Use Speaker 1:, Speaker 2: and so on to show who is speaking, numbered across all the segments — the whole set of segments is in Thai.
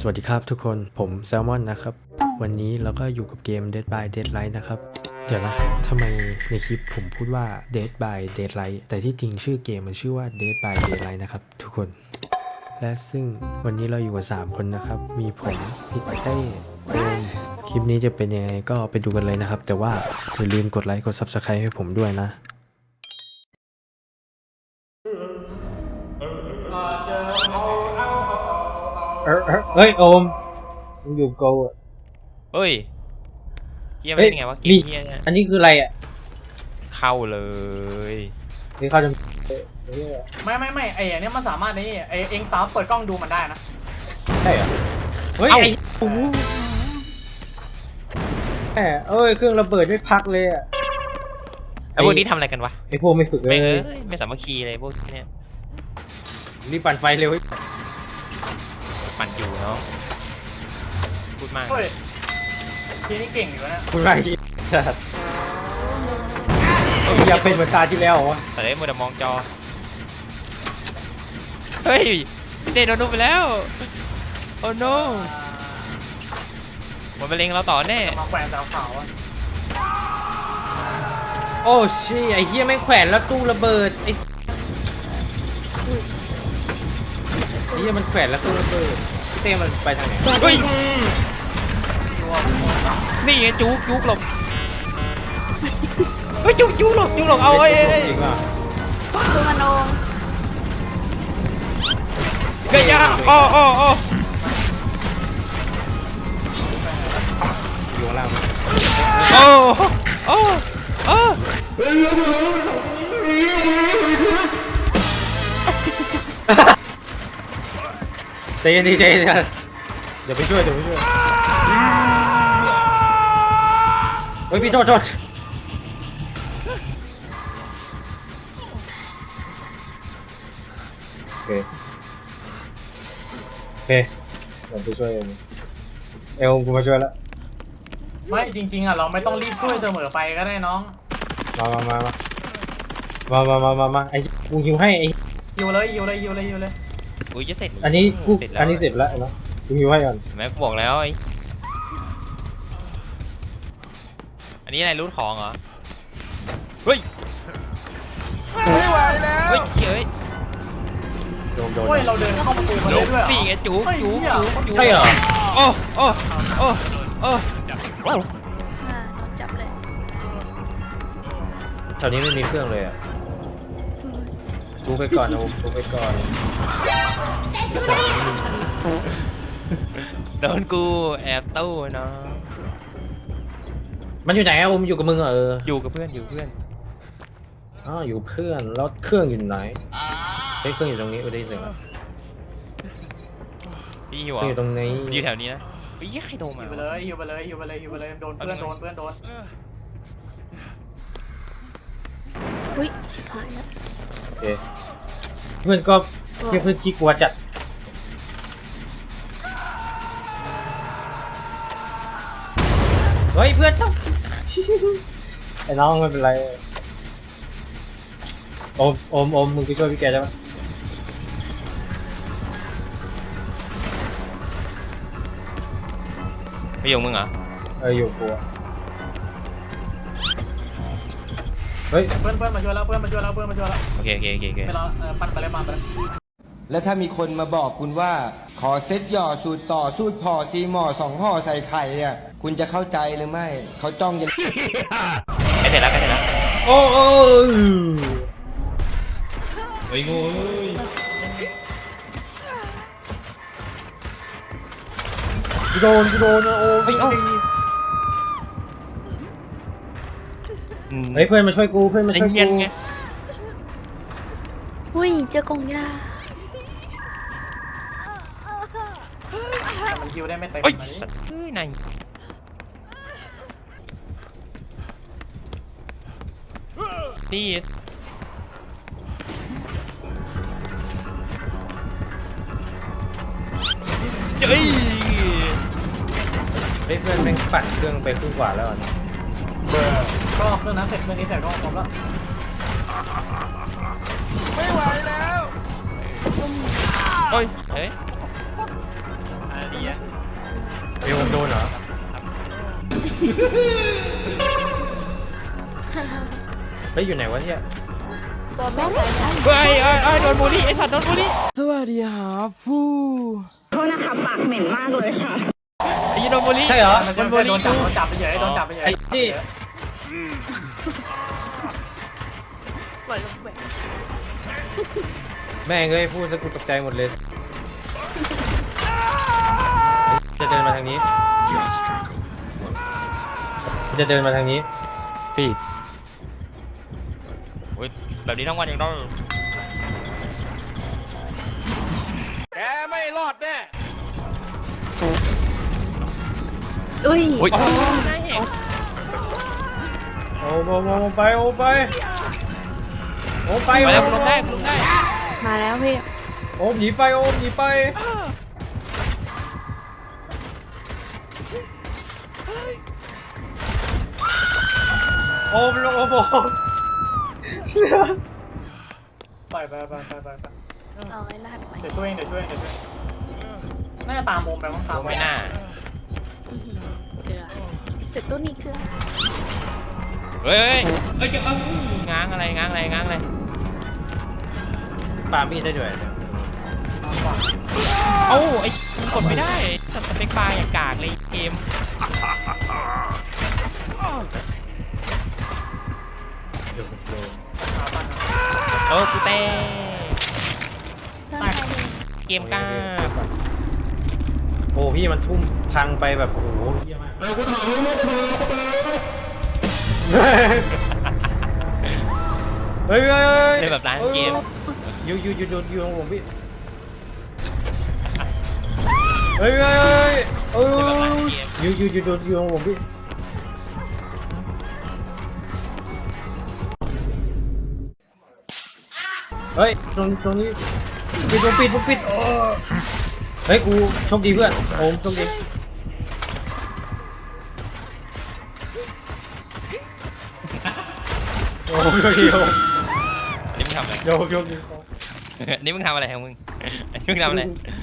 Speaker 1: สวัสดีครับทุกคนผมแซลมอนนะครับวันนี้เราก็อยู่กับเกม Dead by Daylight นะครับเดี๋ยวนะทำไมในคลิปผมพูดว่า Dead by Daylight แต่ที่จริงชื่อเกมมันชื่อว่า Dead by Daylight นะครับทุกคนและซึ่งวันนี้เราอยู่กับ3คนนะครับมีผมพี่เต้โอมคลิปนี้จะเป็นยังไงก็ไปดูกันเลยนะครับแต่ว่าอย่าลืมกดไลค์กด Subscribe ให้ผมด้วยนะ
Speaker 2: เฮ้ยโอมมึงอยู่โกอ่ะ
Speaker 3: เฮ้ยเยี่ยมได้ไงวะเกม
Speaker 2: นี่
Speaker 3: เฮียเนี่ย
Speaker 2: อันนี้คืออะไรอ่ะ
Speaker 3: เข้าเลย
Speaker 2: นี่เขาจะ
Speaker 4: ไม่ไอ้อันเนี้ยมันสามารถนี่ไอ้เองสามารถเปิดกล้องดูมันได้นะ
Speaker 2: ใช่เหรอเฮ้ยไอ้โอ้โหแหมเอ้ยเครื่องระเบิดไม่พักเลยอ่ะ
Speaker 3: ไอ้พวกนี้ทำอะไรกันวะ
Speaker 2: ไอ้พวกไม่ฝึกเล
Speaker 3: ไม่
Speaker 2: ย
Speaker 3: ไม่สามัคคีเลยพวกเนี้ย
Speaker 2: รีบปั่นไฟเร็ว
Speaker 3: ปั่นอยู่เนาะพูดมาก
Speaker 4: เฮ้ยทีนี้เก่งอยู่นะ
Speaker 2: คุณไรอย่าเป็นเหมือนตาที่แล้ววะ
Speaker 3: แต่ได้มัวแต่มองจอเฮ้ยพี่เต้โดนนุบไปแล้วโอ้ no มันไปเล็งเราต่อแน่
Speaker 4: มาแขวนสาวขาวอ่ะ
Speaker 2: โอ้ชี่ไอ้เหี้ยไม่งแขวนแล้วตู้ระเบิดไอ้เหี้ยมันแขวนแล้วตู้ระเบิดพี่เต้มันไปทางไหน
Speaker 3: เฮ้ยนี่ไงจุกหลบเฮ้ยจุกหลบเอาเอ้ย
Speaker 2: จริงป่ะ
Speaker 5: ดูมันโอม
Speaker 3: เฮ้ยอ้อ
Speaker 2: อยู่ข้างล่าง
Speaker 3: โอ้
Speaker 2: ใจเย็นดีใจเย็นเดี๋ยวไปช่วยเฮ้ยพี่โทษโอเคเดี๋ยวไปช่วยเองเอลกูมาช่วยแล้ว
Speaker 4: ไม่จริงๆอ่ะเราไม่ต้องรีบช่วยเสมอไปก็ได้น้อง
Speaker 2: มาไอ้กูหิวให้ไอ้
Speaker 4: อยู่เลย
Speaker 3: อุ้ยจะเสร็จ
Speaker 2: อันนี้กู
Speaker 3: เสร็จแล้ว
Speaker 2: อันนี้เสร็จแล้วเนาะกูหิวให้ก่อน
Speaker 3: แม่กูบอกแล้วไอ้อันนี้อะไรรูทของเหรอเฮ้ยไม่ไหวแล้วเฮ้ย
Speaker 2: โดน
Speaker 4: เฮ้ยเราเดินเข้าประตูมาเลยด้วยเหรอ
Speaker 3: สี่ไงจุก
Speaker 2: ใช่เหรอ
Speaker 3: โอ้
Speaker 5: โดนจับเลย
Speaker 2: แถวนี้ไม่มีเครื่องเลยอ่ะกูไปก่อนนะกูไปก่อน
Speaker 3: โดนกูแอบตู้เนาะ
Speaker 2: มันอยู่ไหนอะผมอยู่กับมึงเหรอ
Speaker 3: อยู่กับเพื่อน
Speaker 2: อ๋ออยู่เพื่อนแล้วเครื่องอยู่ไหนเฮ้ยเครื่องอยู่ตรงนี้ได้ยินเสียง
Speaker 3: พี่อยู่
Speaker 2: เครื่องอยู่ตรงนี้
Speaker 3: อยู่แถวนี้นะเฮ้ยใครโทรมา
Speaker 4: อยู่ไปเลยโดนเพื่อนโดน
Speaker 5: อุ้ยชิบหายแล้ว
Speaker 2: โอเคเพื่อนก็เพื่อนขี้กลัวจัดเฮ้ยเพื่อนต้อง ไอ้น้องไม่เป็นไรโอมมึงไปช่วยพี่แกได้ไหม
Speaker 3: ไม่อยู่มึงเหรอ
Speaker 2: อยู่กลัวเฮ้ย
Speaker 4: เพื่อนมาช่วยแล้ว
Speaker 3: โอเค
Speaker 4: ไม่รอปั่นไปเลย
Speaker 6: แล้วถ้ามีคนมาบอกคุณว่า ขอเซ็ตหย่อสูตรต่อสูตรพอซีหมอ2ห่อใส่ไข่เนี่ยคุณจะเข้าใจหรือไม่เขาจ้องจะ
Speaker 3: ใกล้เสร็จแล้ว
Speaker 2: โอ้
Speaker 3: เฮ้ยงู
Speaker 2: กูโดนนะโอ้เฮ้ยเพื่อนมาช่วยกูเพื่อนมาช่วยกู
Speaker 3: ไง
Speaker 5: อุ้ยเจอกองยา
Speaker 4: มันคิวได้ไม่เต็ม
Speaker 3: เฮ้ย
Speaker 4: ไหม
Speaker 3: เฮ้ยนายนี่เฮ้ย
Speaker 2: เฮ้ยเพื่อนแม่งปั่นเครื่องไปครึ่งกว่าแล้วอ่ะ
Speaker 4: ก็เครื่องนั้นเสร็จเครื่องนี้เสร็จก็ครบแล้ว
Speaker 3: เฮ้ยอะไรดีอะ
Speaker 2: ดี๋ยวผมโดนเหรอ เฮ้ยอยู่ไหนวะเนี่ย
Speaker 5: ตัวแม่ตายได้
Speaker 3: เฮ้ยเอ้ยโดนบูลลี่ไอ้สัตว์โดนบูลลี่
Speaker 7: สวัสดีครับฟู
Speaker 8: โทษนะคะปากเหม็นมากเลยค่ะ
Speaker 3: ไอ้ยี่โดนบูลลี่
Speaker 2: ใช่เหรอ
Speaker 4: มันจะโดนจับไปเฉยโดนจับไปเฉย
Speaker 2: ไอ้นี่
Speaker 5: ปล่อยลงไป
Speaker 2: แม่งเอ้ยพูดซะกูตกใจหมดเลย จะเดินมาทางนี้ จะเดินมาทางนี้
Speaker 1: ปีด
Speaker 3: โอ้ยแบบนี้ทั้งวันยังต้อง
Speaker 5: อุ้ย
Speaker 3: โอ้ย
Speaker 2: โอ้ไปโอ้ไป
Speaker 3: ไปแล้วคุณลงได้คุณลงได้
Speaker 5: มาแล้วพี่
Speaker 2: โอ้หนีไปโอ้หนีไปโอ้ลงโอ้โห
Speaker 4: ไป
Speaker 5: เอาไอ้ลาดไป
Speaker 4: เดี๋ยวช่วยน่าจะตามโมไปมั้งตาม
Speaker 3: ไม่น่า
Speaker 5: เกลือแต่ตัวนี้เกลือ
Speaker 3: เฮ้ยง้างอะไรง้างอะไรง้างอะไร
Speaker 2: ปามีดได้ด้วย
Speaker 3: เอ้าไอ้กดไม่ได้สเต็กปลาอย่างกากเลยเกม
Speaker 2: เดี๋ยวผมโดน
Speaker 3: โอ้กูเต้
Speaker 5: ตายเลย
Speaker 3: เกมกล้า
Speaker 2: โอ้พี่มันทุ่มพังไปแบบโอ้โหเยี่ยมากเฮ้ย
Speaker 3: เล่นแบบร้านเกม
Speaker 2: อยู่ของผมพี่เฮ้ยเออ
Speaker 3: เล่นแบบร้านเกม
Speaker 2: อยู่ของผมพี่เฮ้ยตรงนี้ปิดเฮ้ยกูโชคดีเพื่อนโอมโชคดีโอ้โชคดีโอม
Speaker 3: อันนี้มึงทำอะไร
Speaker 2: โชคดี
Speaker 3: อันนี้มึงทำอะไรของมึงอันนี้มึงทำอะไร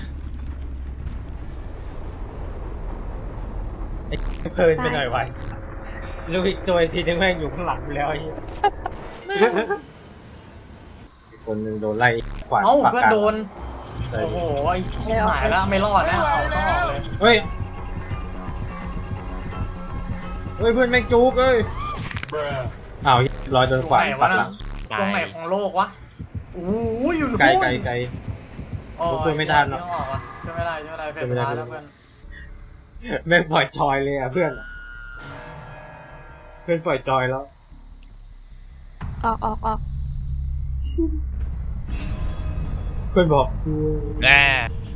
Speaker 2: ไอ้เพลินไปหน่อยวะลูกอีกตัวทีนึงแม่งอยู่ข้างหลังกูแล้วไอ้เหี้ยคนหนึ่งโดนไล่ขวาน
Speaker 4: เอ้า
Speaker 2: ปาก
Speaker 4: เพื่อน
Speaker 2: กา
Speaker 4: โดน
Speaker 2: ใช่
Speaker 4: โอ้โหไอ้ชิบหายแล้วไม่รอดแล้วเอาต้องออกเลย
Speaker 2: เฮ้ยเพื่อนแม่งจุกเอ้ยอ้าวลอยโดนขวานปักหลัง
Speaker 4: ตรงไหนของโลกวะโอ้ยอยู่นู่น
Speaker 2: ไกล
Speaker 4: โอ้
Speaker 2: ช่วยไม่ทันหรอก
Speaker 4: ต้องออกวะช่วยไม่ได้เฟรนแล้วเพื่อน
Speaker 2: แม่งปล่อยจอยเลยอ่ะเพื่อนปล่อยจอยแล้ว
Speaker 5: ออก
Speaker 2: เพื่อนบอกกู
Speaker 3: แน่